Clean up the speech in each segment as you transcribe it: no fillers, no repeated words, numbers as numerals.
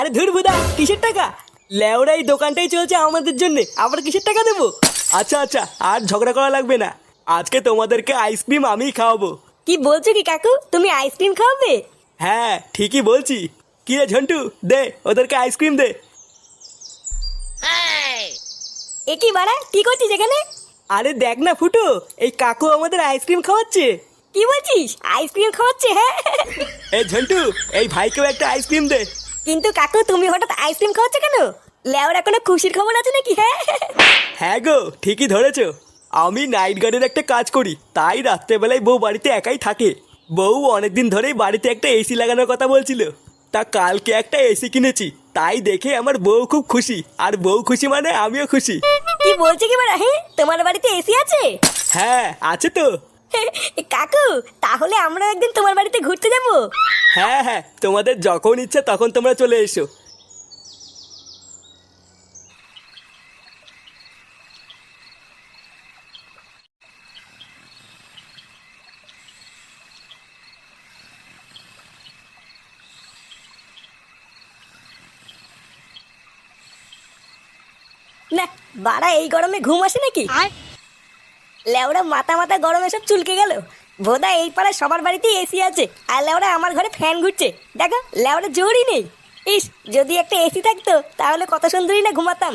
আরে ধুর বুদা, কিসের টাকা? লেওরা এই দোকানটাই চলছে আমাদের জন্য, আবার কিসের টাকা দেবো? আচ্ছা আচ্ছা, আর ঝগড়া করা লাগবে না। আজকে তোমাদেরকে আইসক্রিম আমিই খাওয়াবো। কি বলছো কি কাকু, তুমি আইসক্রিম খাওয়াবে? হ্যাঁ ঠিকই বলছি। কি রে ঝন্টু, দে ওদেরকে আইসক্রিম দে। এ কি বাড়া, কি করছিস এখানে? আরে দেখ না ফুটো, এই কাকু আমাদের আইসক্রিম খাওয়াচ্ছে। কি বলছিস, আইসক্রিম খাওয়াচ্ছে? হ্যাঁ এই ঝন্টু, এই ভাইকেও একটা আইসক্রিম দে। কিন্তু কাকু তুমি হঠাৎ আইসক্রিম খাওয়াচ্ছ কেন? লেওরা কোনো খুশির খবর আছে নাকি? হ্যাঁ হ্যাঁ গো, ঠিকই ধরেছো। আমি নাইট গার্ডের একটা কাজ করি, তাই রাত্রেবেলায় বউ বাড়িতে একাই থাকে। বউ অনেকদিন ধরেই বাড়িতে একটা এসি লাগানোর কথা বলছিল। তা কালকে একটা এসি কিনেছি, তাই দেখে আমার বউ খুব খুশি, আর বউ খুশি মানে আমিও খুশি। কি বলছে কি বাড়া, হ্যাঁ তোমার বাড়িতে এসি আছে? হ্যাঁ আছে তো। কাকু তাহলে আমরা একদিন তোমার বাড়িতে ঘুরতে যাবো। হ্যাঁ হ্যাঁ, তোমাদের যখন ইচ্ছা তখন তোমরা চলে এসো। না বাড়া, এই গরমে ঘুম আসে নাকি? লেওরা মাথা মাথা গরমে সব চুলকে গেল। বোধা এই পাড়ায় সবার বাড়িতেই এসি আছে, আর লেওরা আমার ঘরে ফ্যান ঘুরছে। দেখো লেওরা জোরই নেই। ইস, যদি একটা এসি থাকতো তাহলে কত সুন্দরই না ঘুমাতাম।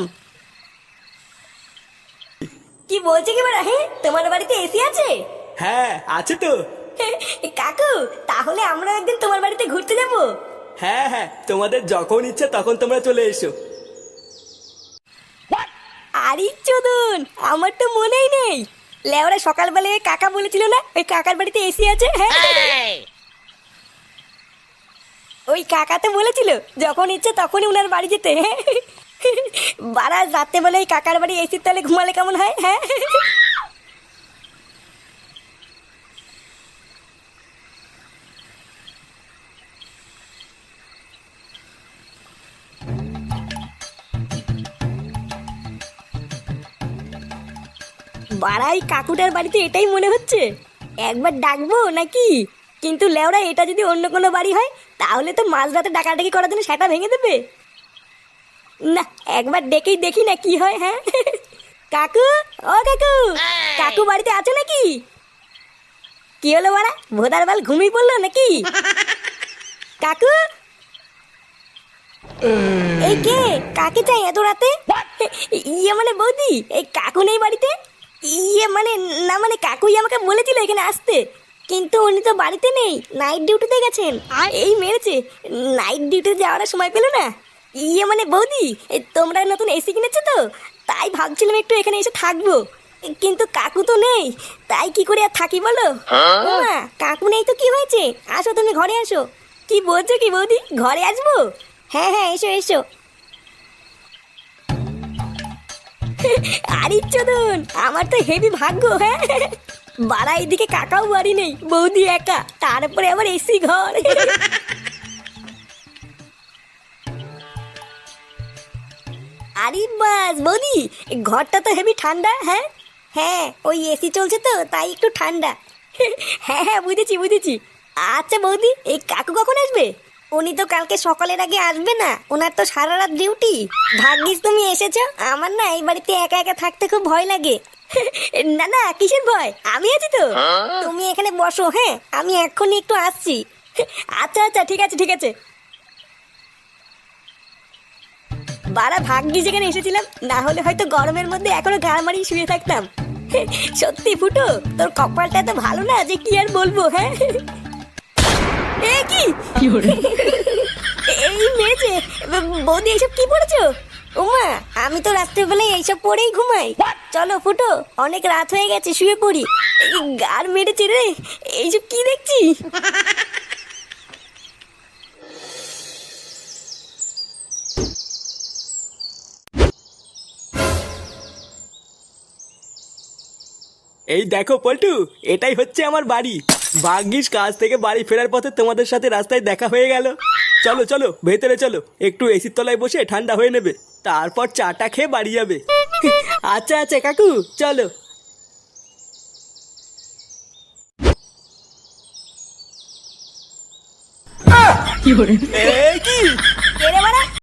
কি বলছে কি বাড়া, হ্যাঁ তোমার বাড়িতে এসি আছে? হ্যাঁ আছে তো। কাকু তাহলে আমরা একদিন তোমার বাড়িতে ঘুরতে যাবো। হ্যাঁ হ্যাঁ, তোমাদের যখন ইচ্ছা তখন তোমরা চলে এসো। আরে চোদন, আমার তো মনেই নেই। লেওরা সকালবেলা ওই কাকা বলেছিল না ওই কাকার বাড়িতে এসি আছে? হ্যাঁ ওই কাকা তো বলেছিল যখন ইচ্ছে তখনই উনার বাড়ি যেতে। বারা রাত্রেবেলা ওই কাকার বাড়ি এসির তলে ঘুমালে কেমন হয়? হ্যাঁ বাড়াই কাকুটার বাড়িতে এটাই মনে হচ্ছে। একবার ডাকবো নাকি? কিন্তু লেওরা এটা যদি অন্য কোনো বাড়ি হয় তাহলে তো মাঝরাতে ডাকাডাকি করার জন্য সেটা ভেঙে দেবে। না, একবার ডেকেই দেখি না কি হয়। হ্যাঁ কাকু, ও কাকু, কাকু বাড়িতে আছো নাকি? কি হলো বাড়া, ভোদার বাল ঘুমিয়ে পড়লো নাকি? কাকু, এই কে, কাকে চাই এত রাতে? ইয়ে মানে বৌদি, এই কাকু নেই বাড়িতে? ইয়ে মানে না, মানে কাকুই আমাকে বলেছিল এখানে আসতে, কিন্তু উনি তো বাড়িতে নেই, নাইট ডিউটিতে গেছেন। এই মেরেছে, নাইট ডিউটিতে যাওয়ার সময় পেলো না। ইয়ে মানে বৌদি, তোমরা নতুন এসি কিনেছো তো, তাই ভাবছিলাম একটু এখানে এসে থাকবো, কিন্তু কাকু তো নেই, তাই কি করে আর থাকি বলো? মা, কাকু নেই তো কি হয়েছে, আসো তুমি ঘরে আসো। কি বলছো কি বৌদি, ঘরে আসবো? হ্যাঁ হ্যাঁ, এসো এসো। আরে চোদন, আমার তো হেভি ভাগ্য। হ্যাঁ বাড়া, এইদিকে কাকাও বাড়ি নেই, বৌদি একা, তারপরে আবার এসি ঘর। আরে বাস বৌদি, ঘরটা তো হেভি ঠান্ডা। হ্যাঁ হ্যাঁ, ওই এসি চলছে তো তাই একটু ঠান্ডা। হ্যাঁ হ্যাঁ, বুঝেছি বুঝেছি। আচ্ছা বৌদি, এই কাকু কখন আসবে? উনি তো কালকে সকালের আগে আসবে না, ওনার তো সারা রাত ডিউটি। ভাগ্যিস তুমি এসেছো, আমার না এই বাড়িতে একা একা থাকতে খুব ভয় লাগে। না না, কিসের ভয়, আমি আছি তো। তুমি এখানে বসো, হ্যাঁ আমি এক্ষুনি একটু আসছি। আচ্ছা আচ্ছা, ঠিক আছে ঠিক আছে। বারা ভাগ্যিস যেখানে এসেছিলাম, না হলে হয়তো গরমের মধ্যে এখনো গা মারিয়ে শুয়ে থাকতাম। সত্যি ফুটো, তোর কপালটা এত ভালো না যে কি আর বলবো। হ্যাঁ এ কি এই মেরেছে বৌদি, এইসব কি পড়েছো? ওমা, আমি তো রাত্রেবেলায় এইসব পরেই ঘুমাই। চলো ফুটো, অনেক রাত হয়ে গেছে, শুয়ে পড়ি। গার মেরেছে রে, এইসব কি দেখছি? এই দেখো পল্টু, এটাই হচ্ছে আমার বাড়ি। ভাগ্যিস কাজ থেকে বাড়ি ফেরার পথে তোমাদের সাথে রাস্তায় দেখা হয়ে গেল। চলো চলো ভেতরে চলো, একটু এসির তলায় বসে ঠান্ডা হয়ে নেবে, তারপর চাটা খেয়ে বাড়ি যাবে। আচ্ছা আচ্ছা কাকু, চলো। এ কি